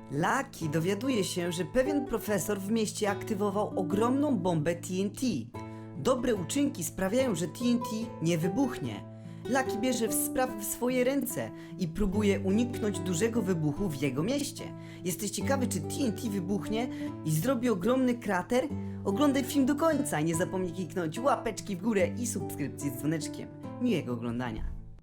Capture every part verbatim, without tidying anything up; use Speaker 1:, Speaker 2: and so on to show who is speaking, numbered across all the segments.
Speaker 1: Lucky dowiaduje się, że pewien profesor w mieście aktywował ogromną bombę T N T. Dobre uczynki sprawiają, że T N T nie wybuchnie. Lucky bierze sprawy w swoje ręce i próbuje uniknąć dużego wybuchu w jego mieście. Jesteś ciekawy, czy T N T wybuchnie i zrobi ogromny krater? Oglądaj film do końca i nie zapomnij kliknąć łapeczki w górę i subskrypcji z dzwoneczkiem. Miłego oglądania.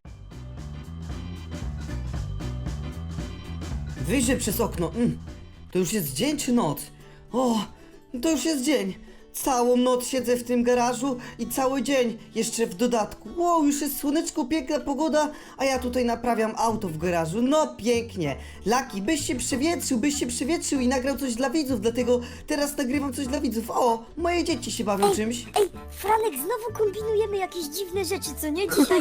Speaker 1: Wyjrzę przez okno. Mm. To już jest dzień czy noc? O, to już jest dzień. Całą noc siedzę w tym garażu i cały dzień jeszcze w dodatku. Wow, już jest słoneczko, piękna pogoda, a ja tutaj naprawiam auto w garażu. No pięknie. Lucky, byś się przewietrzył, byś się przewietrzył i nagrał coś dla widzów, dlatego teraz nagrywam coś dla widzów. O, moje dzieci się bawią
Speaker 2: Ej,
Speaker 1: czymś.
Speaker 2: Ej, Franek, znowu kombinujemy jakieś dziwne rzeczy, co nie dzisiaj?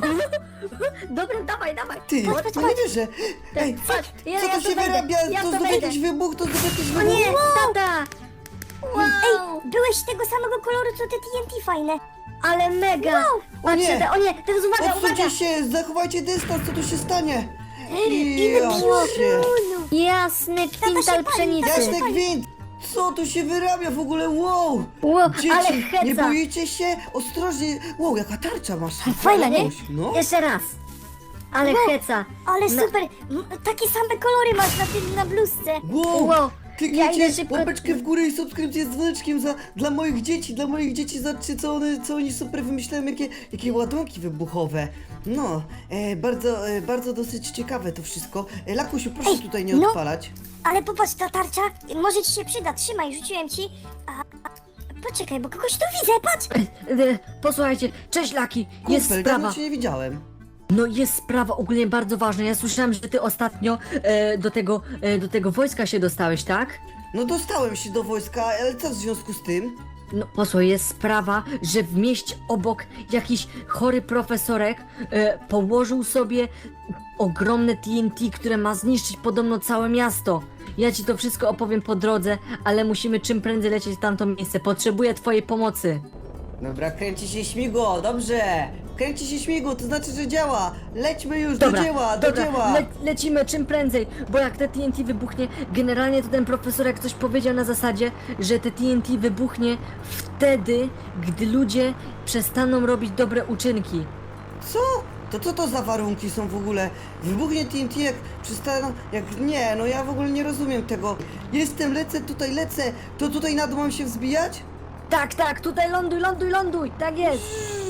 Speaker 3: Dobra, dawaj, dawaj.
Speaker 1: Ty,
Speaker 2: patrz, patrz,
Speaker 1: no nie
Speaker 2: patrz.
Speaker 1: wierzę. Ej,
Speaker 3: Patrz, ja-
Speaker 1: co
Speaker 3: ja
Speaker 1: to
Speaker 3: to
Speaker 1: się
Speaker 3: wejdę,
Speaker 1: wyrabia?
Speaker 3: ja
Speaker 1: To
Speaker 3: to
Speaker 1: znów
Speaker 3: wejdę.
Speaker 1: jakiś wybuch, to znów jakiś
Speaker 3: O
Speaker 1: wybuch.
Speaker 3: nie, tata! Wow!
Speaker 2: Ej, byłeś tego samego koloru, co te T N T fajne.
Speaker 3: Ale mega!
Speaker 1: O nie.
Speaker 3: Patrzcie, te- o nie, teraz uwaga, uwaga!
Speaker 1: Odsuńcie się, zachowajcie dystans, co tu się stanie?
Speaker 2: Ile
Speaker 1: Ja
Speaker 2: piorunu.
Speaker 1: cię.
Speaker 3: Jasny
Speaker 2: Tata się
Speaker 3: kwintal
Speaker 2: pali,
Speaker 3: pszenicy!
Speaker 2: tata się
Speaker 1: Jasny gwint! Co tu się wyrabia w ogóle? Wow!
Speaker 3: Wow, ale
Speaker 1: Dzieci,
Speaker 3: heca!
Speaker 1: nie boicie się? Ostrożnie! Wow, jaka tarcza masz!
Speaker 3: Fajna, nie?
Speaker 1: Jakoś, no.
Speaker 3: Jeszcze raz! Ale heca!
Speaker 2: Ale
Speaker 3: Na-
Speaker 2: super, m, takie same kolory masz na tym, na bluzce.
Speaker 1: Wow!
Speaker 3: Wow,
Speaker 1: Kliknijcie
Speaker 3: ja idę szybko-
Speaker 1: łapeczkę w górę i subskrypcję z dzwoneczkiem za, dla moich dzieci, dla moich dzieci, zobaczcie co, one, co oni super wymyślają, jakie, jakie ładunki wybuchowe. No, e, bardzo, e, bardzo dosyć ciekawe to wszystko. E, Lakusiu, proszę
Speaker 2: Ej,
Speaker 1: tutaj nie
Speaker 2: no.
Speaker 1: odpalać.
Speaker 2: Ale popatrz, ta tarcza może ci się przyda, trzymaj, rzuciłem ci. A, a, poczekaj, bo kogoś tu widzę, patrz.
Speaker 3: E, Posłuchajcie, cześć Laki, jest
Speaker 1: Kumpel,
Speaker 3: sprawa.
Speaker 1: dawno cię nie widziałem.
Speaker 3: No jest sprawa ogólnie bardzo ważna. Ja słyszałem, że ty ostatnio e, do tego e, do tego wojska się dostałeś, tak?
Speaker 1: No dostałem się do wojska, ale co w związku z tym?
Speaker 3: No posłuchaj, jest sprawa, że w mieście obok jakiś chory profesorek e, położył sobie ogromne T N T, które ma zniszczyć podobno całe miasto. Ja ci to wszystko opowiem po drodze, ale musimy czym prędzej lecieć w tamto miejsce. Potrzebuję twojej pomocy.
Speaker 1: Dobra, kręci się śmigło, dobrze. Kręci się śmigło, to znaczy, że działa. Lećmy już,
Speaker 3: Dobra,
Speaker 1: do dzieła, do
Speaker 3: dobra,
Speaker 1: dzieła.
Speaker 3: Le lecimy czym prędzej, bo jak te T N T wybuchnie, generalnie to ten profesor jak coś powiedział na zasadzie, że te T N T wybuchnie wtedy, gdy ludzie przestaną robić dobre uczynki.
Speaker 1: Co? To co to za warunki są w ogóle? Wybuchnie T N T jak przestaną... Jak... Nie, no ja w ogóle nie rozumiem tego. Jestem, lecę, tutaj lecę. To tutaj na dół mam się wzbijać?
Speaker 3: Tak, tak, tutaj ląduj, ląduj, ląduj, tak jest.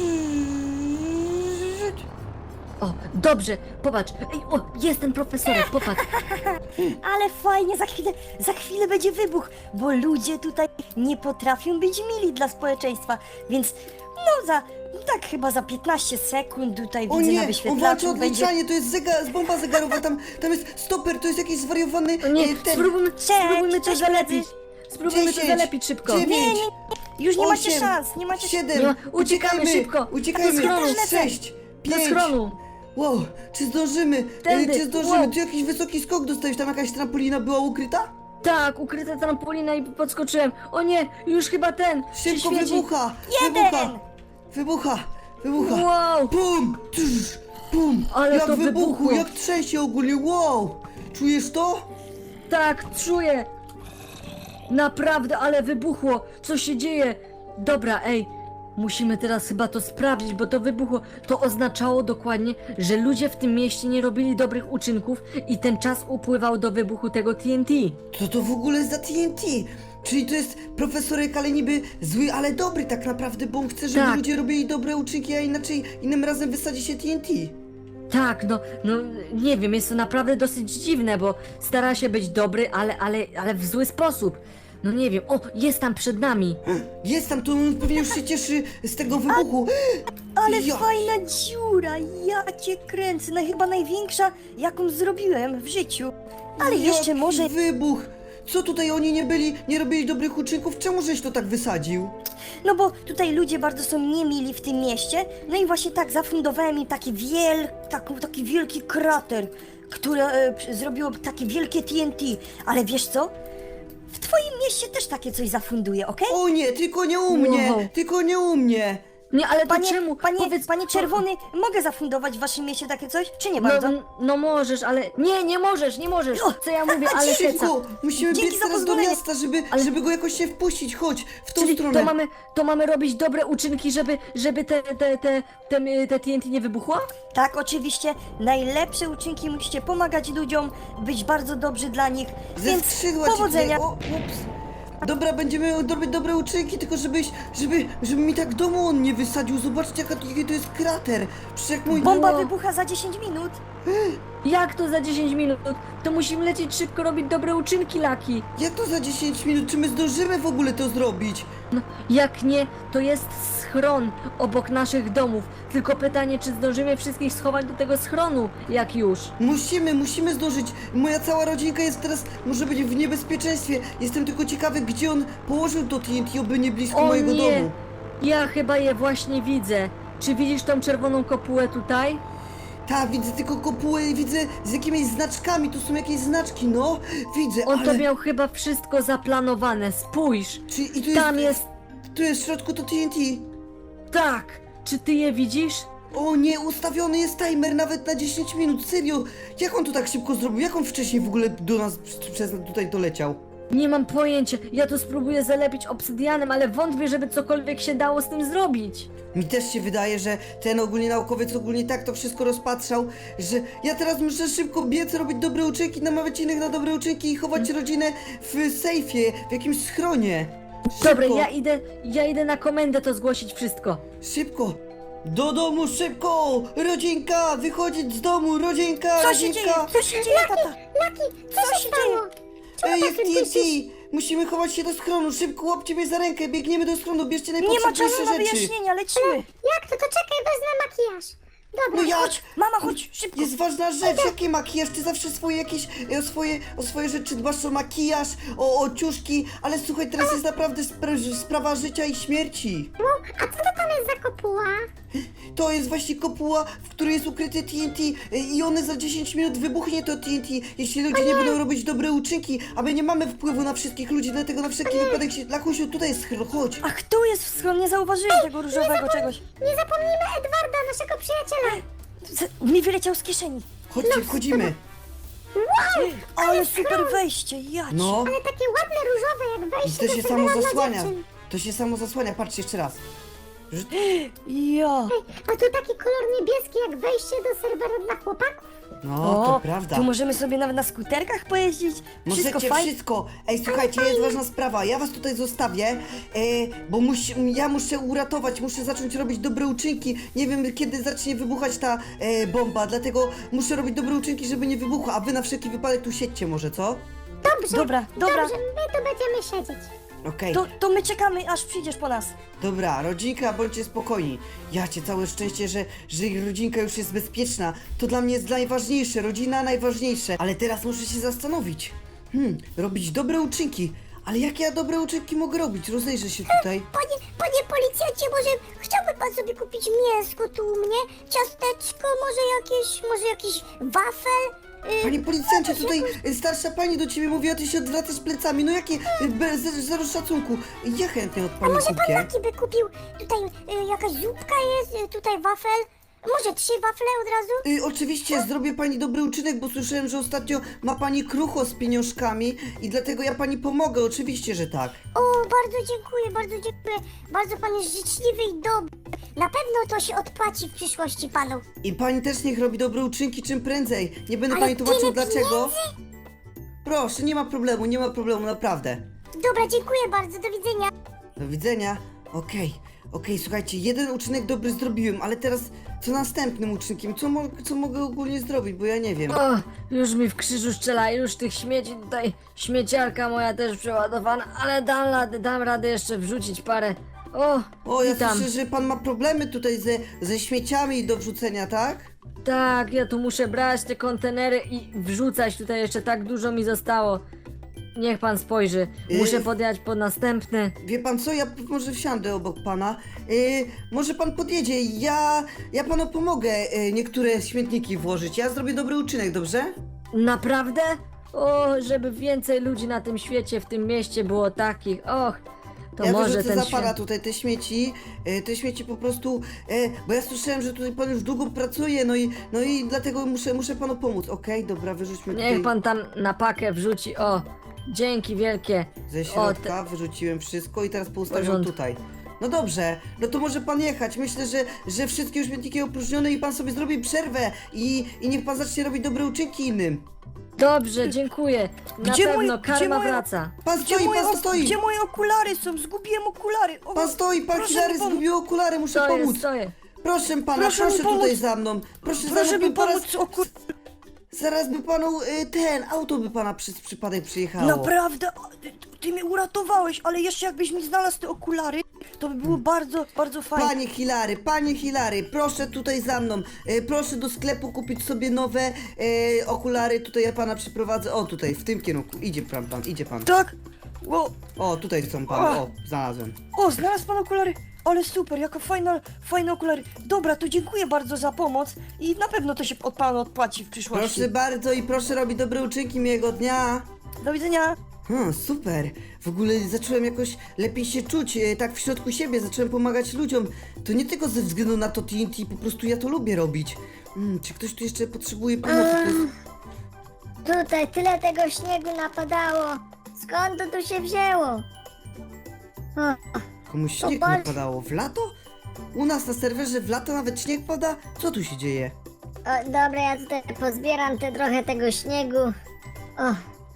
Speaker 3: O, dobrze, popatrz, ej, o, jest ten profesorek, popatrz.
Speaker 2: Ale fajnie, za chwilę, za chwilę będzie wybuch, bo ludzie tutaj nie potrafią być mili dla społeczeństwa, więc no za, tak chyba za piętnaście sekund tutaj
Speaker 1: O
Speaker 2: widzę
Speaker 1: nie,
Speaker 2: na
Speaker 1: on walczy
Speaker 2: wyświetlaczu
Speaker 1: odliczanie, to jest zegar, bomba zegarowa, tam, tam jest stoper, to jest jakiś zwariowany...
Speaker 3: O nie,
Speaker 1: e, ten...
Speaker 3: spróbujmy, spróbujmy to
Speaker 2: cześć,
Speaker 3: zalepić. Spróbujmy to
Speaker 1: dziesięć,
Speaker 3: zalepić szybko.
Speaker 1: dziewięć,
Speaker 2: Nie, nie, już nie macie
Speaker 1: osiem,
Speaker 2: szans, nie macie
Speaker 1: siedem,
Speaker 3: Nie ma- uciekamy szybko.
Speaker 1: uciekajmy,
Speaker 3: Do schronu.
Speaker 1: sześć,
Speaker 3: Do
Speaker 1: pięć,
Speaker 3: schronu.
Speaker 1: wow, czy zdążymy,
Speaker 3: Tędy,
Speaker 1: e, czy zdążymy,
Speaker 3: wow.
Speaker 1: tu jakiś wysoki skok dostałeś, tam jakaś trampolina była ukryta?
Speaker 3: Tak, ukryta trampolina i podskoczyłem. O nie, już chyba ten się
Speaker 1: Szybko
Speaker 3: świeci.
Speaker 1: wybucha,
Speaker 2: Jeden.
Speaker 1: wybucha, wybucha, wybucha,
Speaker 3: Wow,
Speaker 1: pum, tsz, pum,
Speaker 3: Ale
Speaker 1: jak
Speaker 3: to
Speaker 1: wybuchło,
Speaker 3: wybuchło.
Speaker 1: jak trzęsie ogólnie, wow, czujesz to?
Speaker 3: tak, czuję. Naprawdę, ale wybuchło. Co się dzieje? Dobra, ej. Musimy teraz chyba to sprawdzić, bo to wybuchło. To oznaczało dokładnie, że ludzie w tym mieście nie robili dobrych uczynków i ten czas upływał do wybuchu tego T N T.
Speaker 1: Co to w ogóle za T N T? Czyli to jest profesorek, ale niby zły, ale dobry tak naprawdę, bo on chce, żeby
Speaker 3: Tak.
Speaker 1: ludzie robili dobre uczynki, a inaczej innym razem wysadzi się T N T.
Speaker 3: Tak, no, no nie wiem, jest to naprawdę dosyć dziwne, bo stara się być dobry, ale, ale, ale w zły sposób. No nie wiem, o, jest tam przed nami.
Speaker 1: Jest tam, to on pewnie już się cieszy z tego wybuchu.
Speaker 2: Ale
Speaker 1: Ja-
Speaker 2: fajna dziura, ja cię kręcę, no chyba największa, jaką zrobiłem w życiu. Ale jeszcze
Speaker 1: Jaki
Speaker 2: może,
Speaker 1: wybuch! Co tutaj oni nie byli, nie robili dobrych uczynków? Czemu żeś to tak wysadził?
Speaker 2: no bo tutaj ludzie bardzo są niemili w tym mieście, no i właśnie tak zafundowałem im taki wiel, taki, taki wielki krater, które e, przy- zrobiło takie wielkie T N T, ale wiesz co? W twoim mieście też takie coś zafunduję, okej?
Speaker 1: O nie, tylko nie u mnie!
Speaker 3: Wow.
Speaker 1: Tylko nie u mnie!
Speaker 3: Nie, ale to
Speaker 2: Panie,
Speaker 3: czemu?
Speaker 2: panie,
Speaker 3: Powiedz,
Speaker 2: panie Czerwony, mogę zafundować w waszym mieście takie coś, czy nie
Speaker 3: No,
Speaker 2: bardzo?
Speaker 3: no możesz, ale... Nie, nie możesz, nie możesz! Co ja mówię, ale heca.
Speaker 1: Szybko! Musimy
Speaker 2: Dzięki
Speaker 1: biec
Speaker 2: za
Speaker 1: teraz do
Speaker 2: pozwolenie.
Speaker 1: miasta, żeby,
Speaker 3: Ale-
Speaker 1: żeby go jakoś się wpuścić. Chodź, w tą
Speaker 3: Czyli
Speaker 1: stronę.
Speaker 3: to mamy, to mamy robić dobre uczynki, żeby, żeby te, te, te, te, te, te T N T nie wybuchło?
Speaker 2: Tak, oczywiście, najlepsze uczynki musicie pomagać ludziom, być bardzo dobrzy dla nich,
Speaker 1: Ze
Speaker 2: więc
Speaker 1: skrzydła ci
Speaker 2: powodzenia.
Speaker 1: tutaj- O, ups. Dobra, będziemy robić dobre uczynki, tylko żebyś, żeby, żeby mi tak domu on nie wysadził. Zobaczcie, jaka, jaki to jest krater. Przecież jak mój...
Speaker 2: Bomba
Speaker 3: No.
Speaker 2: wybucha za dziesięć minut.
Speaker 3: Jak to za dziesięć minut? To musimy lecieć szybko, robić dobre uczynki, Laki.
Speaker 1: Jak to za dziesięć minut? Czy my zdążymy w ogóle to zrobić?
Speaker 3: No, jak nie, to jest schron obok naszych domów. Tylko pytanie, czy zdążymy wszystkich schować do tego schronu, jak już.
Speaker 1: Musimy, musimy zdążyć. Moja cała rodzinka jest teraz, może być w niebezpieczeństwie. Jestem tylko ciekawy, gdzie on położył to T N T, oby nie blisko
Speaker 3: O
Speaker 1: mojego
Speaker 3: nie,
Speaker 1: domu.
Speaker 3: ja chyba je właśnie widzę. Czy widzisz tą czerwoną kopułę tutaj?
Speaker 1: Tak, widzę tylko kopułę i widzę z jakimiś znaczkami. Tu są jakieś znaczki, no. Widzę,
Speaker 3: On
Speaker 1: ale...
Speaker 3: to miał chyba wszystko zaplanowane, spójrz.
Speaker 1: Czy, i tu
Speaker 3: Tam
Speaker 1: jest,
Speaker 3: jest,
Speaker 1: Tu jest w środku to T N T.
Speaker 3: tak. Czy ty je widzisz?
Speaker 1: O nie, ustawiony jest timer nawet na dziesięć minut, serio. Jak on to tak szybko zrobił? Jak on wcześniej w ogóle do nas pr- przez tutaj doleciał?
Speaker 3: Nie mam pojęcia. Ja to spróbuję zalepić obsydianem, ale wątpię, żeby cokolwiek się dało z tym zrobić.
Speaker 1: Mi też się wydaje, że ten ogólnie naukowiec ogólnie tak to wszystko rozpatrzał, że ja teraz muszę szybko biec, robić dobre uczynki, namawiać innych na dobre uczynki i chować rodzinę w sejfie, w jakimś schronie. Szybko,
Speaker 3: Dobra, ja idę, ja idę na komendę to zgłosić wszystko.
Speaker 1: szybko. Do domu, szybko! Rodzinka, wychodzić z domu, rodzinka,
Speaker 2: Co się dzieje?
Speaker 1: rodzinka!
Speaker 2: Co się dzieje, tata?
Speaker 4: Laki, co, się stało?
Speaker 1: Ej,
Speaker 4: Czemu
Speaker 1: jest
Speaker 4: tak
Speaker 1: T N T!
Speaker 4: piszesz?
Speaker 1: Musimy chować się do schronu, szybko łapcie mnie za rękę, biegniemy do schronu, bierzcie
Speaker 2: Nie ma
Speaker 1: najpotrzebniejsze
Speaker 2: czasu na
Speaker 1: rzeczy.
Speaker 2: wyjaśnienia, lecimy.
Speaker 4: Jak to? To czekaj, wezmę makijaż. Dobra,
Speaker 1: No jak?
Speaker 2: Chodź, mama, chodź, szybko.
Speaker 1: Jest ważna rzecz, jaki makijaż? Ty zawsze swoje jakieś, e, o swoje, o swoje rzeczy dbasz, o makijaż, o, o ciuszki, ale słuchaj, teraz jest naprawdę spra sprawa życia i śmierci.
Speaker 4: no, a co to tam jest za kopuła?
Speaker 1: To jest właśnie kopuła, w której jest ukryte T N T e, i one za dziesięć minut wybuchnie to T N T, jeśli ludzie nie będą robić dobre uczynki, a my nie mamy wpływu na wszystkich ludzi, dlatego na wszelki wypadek się... Lakusiu, tutaj jest schron, chodź.
Speaker 2: Ach, tu jest w schronie, nie zauważyłem tego różowego czegoś.
Speaker 4: Nie zapomnijmy Edwarda, naszego przyjaciela.
Speaker 2: Z- Mi wyleciał z kieszeni.
Speaker 1: Chodźcie, wchodzimy.
Speaker 2: Ale super wejście, jać.
Speaker 1: No,
Speaker 4: Ale takie ładne, różowe, jak
Speaker 1: i
Speaker 4: wejście
Speaker 1: to się
Speaker 4: do
Speaker 1: samo
Speaker 4: serwera dla
Speaker 1: zasłania.
Speaker 4: dziewczyn.
Speaker 1: To się samo zasłania, patrzcie jeszcze raz.
Speaker 2: Ja.
Speaker 4: A tu taki kolor niebieski, jak wejście do serwera dla chłopaków.
Speaker 1: No, to prawda.
Speaker 2: Tu możemy sobie nawet na skuterkach pojeździć. Wszystko
Speaker 1: Możecie
Speaker 2: fajnie.
Speaker 1: wszystko. Ej, słuchajcie, jest ważna sprawa. Ja was tutaj zostawię, e, bo musi, ja muszę uratować, muszę zacząć robić dobre uczynki. Nie wiem, kiedy zacznie wybuchać ta e, bomba, dlatego muszę robić dobre uczynki, żeby nie wybuchła. A wy na wszelki wypadek tu siedźcie może, co?
Speaker 4: Dobrze,
Speaker 2: Dobra, dobra.
Speaker 4: Dobrze, my tu będziemy siedzieć.
Speaker 1: Okej,
Speaker 2: To, to my czekamy, aż przyjdziesz po nas.
Speaker 1: dobra, rodzinka, bądźcie spokojni. Ja cię całe szczęście, że, że ich rodzinka już jest bezpieczna. To dla mnie jest najważniejsze, rodzina najważniejsze. Ale teraz muszę się zastanowić. Hmm, robić dobre uczynki. Ale jakie ja dobre uczynki mogę robić? Rozejrzę się tutaj.
Speaker 4: Panie, panie policjancie, może chciałby pan sobie kupić mięsko tu u mnie? Ciasteczko, może jakieś, może jakiś wafel? Y,
Speaker 1: Panie policjancie, tutaj y, starsza pani do ciebie mówi, a ty się odwracasz plecami. No jakie? y, Bez zero szacunku. Ja chętnie od
Speaker 4: A
Speaker 1: pani
Speaker 4: może pan
Speaker 1: kupię.
Speaker 4: Laki by kupił, tutaj y, jakaś zupka jest, y, tutaj wafel? Może trzy wafle od razu?
Speaker 1: Y, oczywiście zrobię pani dobry uczynek, bo słyszałem, że ostatnio ma pani krucho z pieniążkami i dlatego ja pani pomogę, oczywiście, że tak.
Speaker 4: O, bardzo dziękuję, bardzo dziękuję. Bardzo pan jest życzliwy i dobry. Na pewno to się odpłaci w przyszłości panu.
Speaker 1: I pani też niech robi dobre uczynki czym prędzej. Nie będę
Speaker 4: Ale
Speaker 1: pani tłumaczył
Speaker 4: tyle
Speaker 1: dlaczego. Proszę, nie ma problemu, nie ma problemu, naprawdę.
Speaker 4: Dobra, dziękuję bardzo, do widzenia.
Speaker 1: Do widzenia. Okej, okej, słuchajcie, jeden uczynek dobry zrobiłem, ale teraz co następnym uczynkiem? Co, mo co mogę ogólnie zrobić, bo ja nie wiem.
Speaker 3: O, już mi w krzyżu strzela, już tych śmieci tutaj, śmieciarka moja też przeładowana, ale dam radę, dam radę jeszcze wrzucić parę. O,
Speaker 1: O, ja
Speaker 3: witam.
Speaker 1: słyszę, że pan ma problemy tutaj ze, ze śmieciami do wrzucenia, tak?
Speaker 3: Tak, ja tu muszę brać te kontenery i wrzucać, tutaj jeszcze tak dużo mi zostało. Niech pan spojrzy, muszę
Speaker 1: Yy.
Speaker 3: podjechać po następne.
Speaker 1: Wie pan co, ja p- może wsiądę obok pana. Yy, może pan podjedzie, ja, ja panu pomogę yy, niektóre śmietniki włożyć. Ja zrobię dobry uczynek, dobrze?
Speaker 3: Naprawdę? O, żeby więcej ludzi na tym świecie, w tym mieście było takich, och. To
Speaker 1: ja
Speaker 3: może
Speaker 1: wyrzucę
Speaker 3: ten
Speaker 1: za pana
Speaker 3: świat...
Speaker 1: tutaj te śmieci, e, te śmieci po prostu, e, bo ja słyszałem, że tutaj pan już długo pracuje, no i, no i dlatego muszę, muszę panu pomóc. Okej, dobra, wyrzućmy tutaj
Speaker 3: Niech pan tam na pakę wrzuci, o, dzięki wielkie.
Speaker 1: ze
Speaker 3: O,
Speaker 1: środka, wyrzuciłem wszystko i teraz poustawiam
Speaker 3: Porządku.
Speaker 1: tutaj. No dobrze, no to może pan jechać. Myślę, że, że wszystkie już śmietniki opróżnione i pan sobie zrobi przerwę i, i niech pan zacznie robić dobre uczynki innym.
Speaker 3: Dobrze, dziękuję. Na
Speaker 2: Gdzie
Speaker 3: pewno
Speaker 2: moje-
Speaker 3: karma
Speaker 2: gdzie moje-
Speaker 3: wraca.
Speaker 1: Pan
Speaker 2: Gdzie
Speaker 1: stoi,
Speaker 2: moje,
Speaker 1: pan
Speaker 2: ok-
Speaker 1: stoi!
Speaker 2: gdzie moje okulary są? Zgubiłem okulary. O,
Speaker 1: Pan stoi, pan
Speaker 2: proszę
Speaker 1: Hilary
Speaker 2: mi pomóc.
Speaker 1: zgubił okulary, muszę
Speaker 3: Stoję,
Speaker 1: pomóc.
Speaker 3: stoję.
Speaker 1: Proszę pana,
Speaker 2: Proszę
Speaker 1: proszę,
Speaker 2: mi pomóc.
Speaker 1: tutaj za mną. Proszę,
Speaker 2: Proszę
Speaker 1: za mną,
Speaker 2: mi
Speaker 1: by zaraz-
Speaker 2: pomóc oku...
Speaker 1: Zaraz by panu y, ten, auto by pana przez przypadek przyjechało.
Speaker 2: Naprawdę, o, ty, ty mnie uratowałeś, ale jeszcze jakbyś mi znalazł te okulary, to by było bardzo, bardzo fajnie.
Speaker 1: Panie Hilary, panie Hilary, proszę tutaj za mną. E, proszę do sklepu kupić sobie nowe e, okulary. Tutaj ja pana przyprowadzę. O, tutaj, w tym kierunku. Idzie pan, pan, idzie pan.
Speaker 2: Tak? O,
Speaker 1: O, tutaj są pan. O, znalazłem.
Speaker 2: o, znalazł pan okulary. Ale super, jaka fajna, fajne okulary. Dobra, to dziękuję bardzo za pomoc i na pewno to się od pana odpłaci w przyszłości.
Speaker 1: Proszę bardzo i proszę robić dobre uczynki miłego dnia.
Speaker 2: Do widzenia.
Speaker 1: Hmm, super. W ogóle zacząłem jakoś lepiej się czuć, e, tak w środku siebie, zacząłem pomagać ludziom. To nie tylko ze względu na to T N T, po prostu ja to lubię robić. Hmm, czy ktoś tu jeszcze potrzebuje pomocy? To jest...
Speaker 4: Tutaj tyle tego śniegu napadało. Skąd to tu się wzięło? O,
Speaker 1: Komuś śnieg
Speaker 4: Popatrz.
Speaker 1: napadało w lato? U nas na serwerze w lato nawet śnieg pada? Co tu się dzieje?
Speaker 4: o, dobra, ja tutaj pozbieram te trochę tego śniegu. O,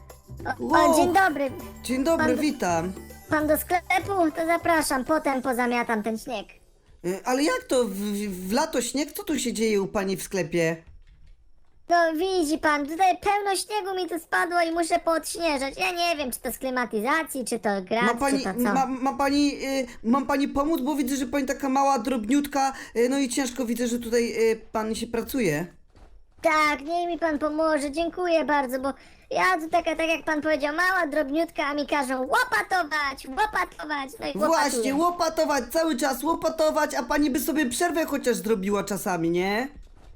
Speaker 4: o,
Speaker 1: Wow.
Speaker 4: o dzień dobry.
Speaker 1: Dzień dobry,
Speaker 4: Pan-
Speaker 1: witam.
Speaker 4: Pan do sklepu? To zapraszam, potem pozamiatam ten śnieg.
Speaker 1: Y, Ale jak to w, w lato śnieg? Co tu się dzieje u pani w sklepie?
Speaker 4: No widzi pan, tutaj pełno śniegu mi tu spadło i muszę poodśnieżać. Ja nie wiem, czy to z klimatyzacji, czy to
Speaker 1: Ma
Speaker 4: grat,
Speaker 1: pani,
Speaker 4: czy to co.
Speaker 1: ma, ma pani, y, mam pani pomóc, bo widzę, że pani taka mała, drobniutka, y, no i ciężko widzę, że tutaj y, pan się pracuje.
Speaker 4: Tak, niech mi pan pomoże, dziękuję bardzo, bo ja tu taka, tak jak pan powiedział, mała, drobniutka, a mi każą łopatować, łopatować, no i łopatuję.
Speaker 1: Właśnie, łopatować, cały czas łopatować, a pani by sobie przerwę chociaż zrobiła czasami, nie?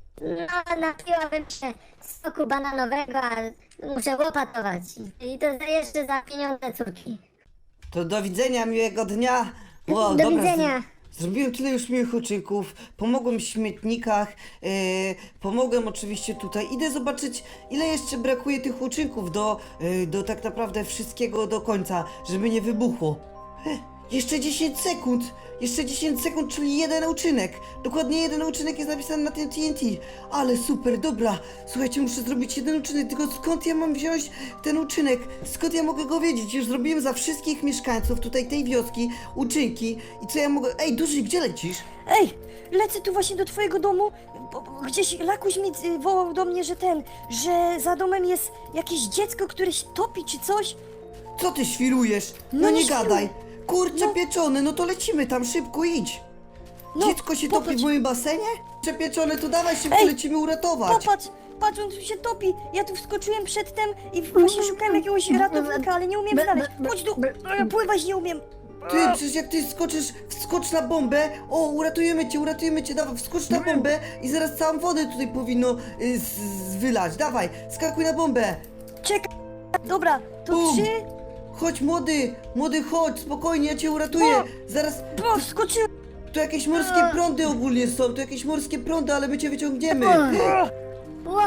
Speaker 4: No, napiłabym się soku bananowego, a muszę łopatować. I to za- jeszcze za pieniądze córki.
Speaker 1: To do widzenia, miłego dnia.
Speaker 4: Do
Speaker 1: dobra,
Speaker 4: widzenia.
Speaker 1: z- Zrobiłem tyle już miłych uczynków, pomogłem w śmietnikach, e, pomogłem oczywiście tutaj. Idę zobaczyć, ile jeszcze brakuje tych uczynków do, e, do tak naprawdę wszystkiego do końca, żeby nie wybuchło. E, jeszcze dziesięć sekund! Jeszcze dziesięć sekund, czyli jeden uczynek. Dokładnie jeden uczynek jest napisany na tym T N T. Ale super, dobra. Słuchajcie, muszę zrobić jeden uczynek, tylko skąd ja mam wziąć ten uczynek? Skąd ja mogę go wiedzieć? Już zrobiłem za wszystkich mieszkańców tutaj tej wioski uczynki. I co ja mogę... Ej, Duży, gdzie lecisz?
Speaker 2: Ej, lecę tu właśnie do twojego domu. Bo, bo gdzieś Lakuś mi y, wołał do mnie, że ten, że za domem jest jakieś dziecko, które się topi czy coś.
Speaker 1: Co ty świrujesz? No,
Speaker 2: No
Speaker 1: nie
Speaker 2: nie świruję.
Speaker 1: gadaj. Kurczę
Speaker 2: No.
Speaker 1: pieczony, no to lecimy tam, szybko idź.
Speaker 2: No,
Speaker 1: Dziecko się topi
Speaker 2: popatrz.
Speaker 1: w moim basenie? Kurczę pieczony, to dawaj szybko,
Speaker 2: Ej,
Speaker 1: lecimy uratować.
Speaker 2: Popatrz, patrz, on tu się topi. Ja tu wskoczyłem przedtem i właśnie szukałem jakiegoś ratownika, ale nie umiem znaleźć. Chodź tu, e, pływać nie umiem.
Speaker 1: Ty, przecież jak ty skoczysz, wskocz na bombę, o, uratujemy cię, uratujemy cię, dawaj, wskocz na bombę i zaraz całą wodę tutaj powinno y, z, z, wylać, dawaj, skakuj na bombę.
Speaker 2: Czekaj. Dobra, to
Speaker 1: Bum.
Speaker 2: trzy.
Speaker 1: Chodź, młody, młody, chodź, spokojnie, ja cię uratuję.
Speaker 2: O.
Speaker 1: Zaraz,
Speaker 2: O, wskoczyłem.
Speaker 1: tu jakieś morskie prądy ogólnie są, tu jakieś morskie prądy, ale my cię wyciągniemy.
Speaker 2: O,
Speaker 4: Ło,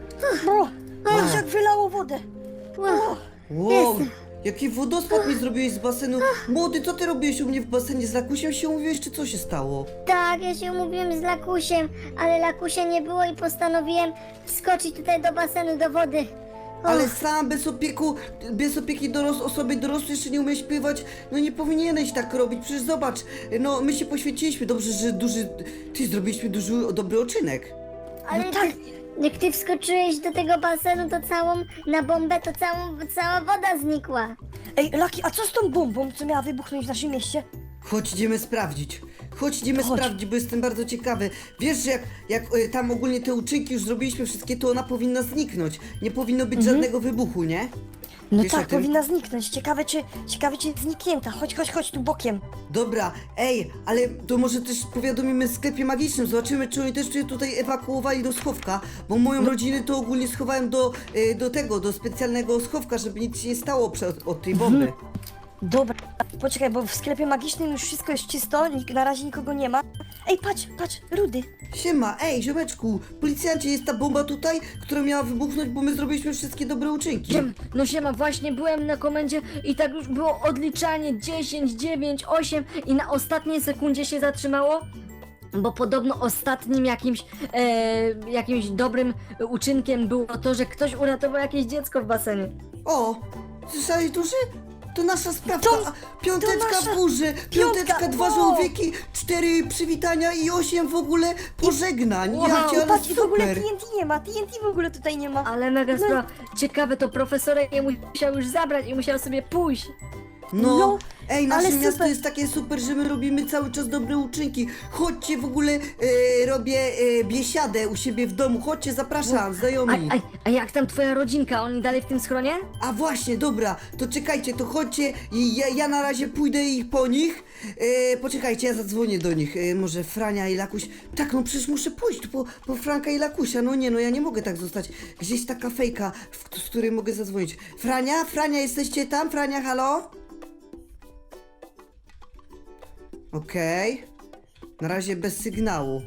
Speaker 2: o, patrz jak wylało wodę.
Speaker 4: ło.
Speaker 1: Wow, jaki wodospad mi zrobiłeś z basenu. Młody, co ty robiłeś u mnie w basenie? Z Lakusiem się umówiłeś, czy co się stało?
Speaker 4: Tak, ja się umówiłem z Lakusiem, ale Lakusia nie było i postanowiłem skoczyć tutaj do basenu, do wody. O,
Speaker 1: Ale sam bez opieku, bez opieki doros osoby dorosłej jeszcze nie umiesz pływać, no nie powinieneś tak robić, przecież zobacz, no my się poświęciliśmy, dobrze, że duży, ty zrobiliśmy duży, dobry uczynek.
Speaker 4: ale
Speaker 2: no tak.
Speaker 4: ty, jak ty wskoczyłeś do tego basenu, to całą, na bombę, to całą, cała woda znikła.
Speaker 2: Ej, Laki, a co z tą bombą, co miała wybuchnąć w naszym mieście?
Speaker 1: Chodź, idziemy sprawdzić. Chodź, idziemy
Speaker 2: Chodź.
Speaker 1: sprawdzić, bo jestem bardzo ciekawy. Wiesz, że jak, jak e, tam ogólnie te uczynki już zrobiliśmy wszystkie, to ona powinna zniknąć. Nie powinno być żadnego wybuchu, nie?
Speaker 2: No
Speaker 1: Wiesz o
Speaker 2: tak,
Speaker 1: tym?
Speaker 2: powinna zniknąć. Ciekawe czy, ciekawe czy zniknięta. Chodź, chodź, chodź tu bokiem.
Speaker 1: Dobra, ej, ale to może też powiadomimy w sklepie magicznym, zobaczymy, czy oni też się tutaj ewakuowali do schowka, bo moją rodzinę to ogólnie schowałem do, e, do tego, do specjalnego schowka, żeby nic się nie stało przed, od tej bomby.
Speaker 2: Dobra, poczekaj, bo w sklepie magicznym już wszystko jest czysto, nik- na razie nikogo nie ma. Ej, patrz, patrz, Rudy.
Speaker 1: Siema, ej, ziomeczku, policjancie, jest ta bomba tutaj, która miała wybuchnąć, bo my zrobiliśmy wszystkie dobre uczynki.
Speaker 3: Siem, no siema, właśnie byłem na komendzie i tak już było odliczanie dziesięć, dziewięć, osiem i na ostatniej sekundzie się zatrzymało. Bo podobno ostatnim jakimś, e, jakimś dobrym uczynkiem było to, że ktoś uratował jakieś dziecko w basenie.
Speaker 1: O, słyszałeś, duży? To nasza sprawka,
Speaker 2: To-
Speaker 1: a piąteczka
Speaker 2: to nasza
Speaker 1: w górze, piąteczka,
Speaker 2: piątka,
Speaker 1: dwa
Speaker 2: wow.
Speaker 1: żółwieki, cztery przywitania i osiem w ogóle pożegnań.
Speaker 3: Wow.
Speaker 1: Ja cię, ale
Speaker 2: Patrz, i w ogóle
Speaker 1: super.
Speaker 2: T N T nie ma, T N T w ogóle tutaj nie ma.
Speaker 3: Ale mega sprawa. Ciekawe, to profesorek je musiał już zabrać i musiał sobie pójść.
Speaker 1: No,
Speaker 2: No,
Speaker 1: ej, nasze
Speaker 2: ale
Speaker 1: miasto
Speaker 2: super.
Speaker 1: jest takie super, że my robimy cały czas dobre uczynki. Chodźcie, w ogóle e, robię e, biesiadę u siebie w domu. Chodźcie, zapraszam,
Speaker 3: A,
Speaker 1: znajomi.
Speaker 3: a, a jak tam twoja rodzinka? Oni dalej w tym schronie?
Speaker 1: A właśnie, dobra, to czekajcie, to chodźcie i ja, ja na razie pójdę ich po nich. E, poczekajcie, ja zadzwonię do nich. E, może Frania i Lakuś. Tak, no przecież muszę pójść po, po Franka i Lakusia. No nie, no ja nie mogę tak zostać. Gdzieś taka fejka, w, z której mogę zadzwonić. Frania, Frania, jesteście tam? Frania, halo? Okej. Na razie bez sygnału.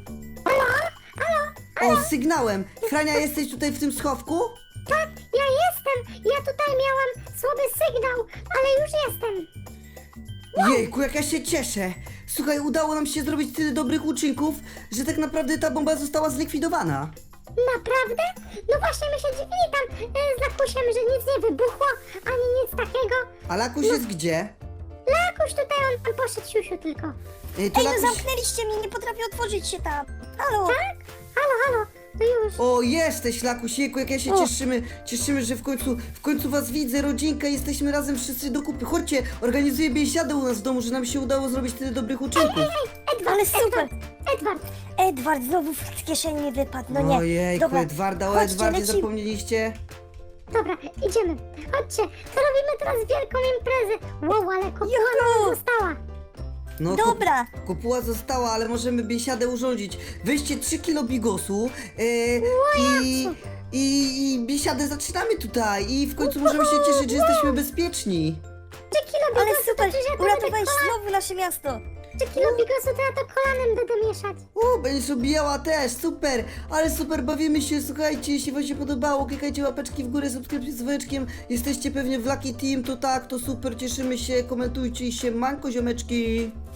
Speaker 1: O, z sygnałem. Frania, jesteś tutaj w tym schowku?
Speaker 4: Tak, ja jestem. Ja tutaj miałam słaby sygnał, ale już jestem.
Speaker 1: Jejku, jak ja się cieszę! Słuchaj, udało nam się zrobić tyle dobrych uczynków, że tak naprawdę ta bomba została zlikwidowana.
Speaker 4: Naprawdę? No właśnie, my się dziwili tam e, z Lakusiem, że nic nie wybuchło, ani nic takiego.
Speaker 1: A Lakuś jest gdzie?
Speaker 4: Lakuś tutaj, on tam poszedł siusiu tylko.
Speaker 1: Y, to
Speaker 2: Ej, no
Speaker 1: Lakuś...
Speaker 2: zamknęliście mnie, nie potrafię otworzyć się tam. Halo?
Speaker 4: Tak? Halo, halo, to już.
Speaker 1: O, jesteś Lakuś, jejku, jak ja się
Speaker 2: O.
Speaker 1: cieszymy, cieszymy, że w końcu, w końcu was widzę, rodzinka, jesteśmy razem wszyscy do kupy. Chodźcie, organizuję biesiadę u nas w domu, że nam się udało zrobić tyle dobrych uczynków.
Speaker 4: Edward,
Speaker 2: Ale super.
Speaker 4: Edward, Edward.
Speaker 2: Edward znowu z kieszeni mi wypadł, no nie.
Speaker 1: Ojejku,
Speaker 2: Dobra,
Speaker 1: Edwarda, o
Speaker 2: chodźcie,
Speaker 1: Edwardzie
Speaker 2: lecimy.
Speaker 1: zapomnieliście?
Speaker 4: Dobra, idziemy. Chodźcie, to robimy teraz wielką imprezę. Wow, ale kopuła
Speaker 2: Juhu.
Speaker 4: nam została.
Speaker 1: No, ko-
Speaker 2: Dobra.
Speaker 1: kopuła została, ale możemy biesiadę urządzić. Weźcie trzy kilo bigosu e, i, i, i biesiadę zaczynamy tutaj. I w końcu możemy się cieszyć, że jesteśmy bezpieczni.
Speaker 4: Trzy kilo
Speaker 2: Ale
Speaker 4: bigosu,
Speaker 2: super,
Speaker 4: to przecież ja to
Speaker 2: uratowałeś
Speaker 4: będę kola...
Speaker 2: znowu nasze miasto.
Speaker 4: Trzy kilo bigosu, to ja to kolanem będę mieszać.
Speaker 1: U, będziesz objęła też, super, ale super, bawimy się, słuchajcie, jeśli wam się podobało, klikajcie łapeczki w górę, subskrypcję z dzwoneczkiem, jesteście pewnie w Lucky Team, to tak, to super, cieszymy się, komentujcie i się, manko ziomeczki.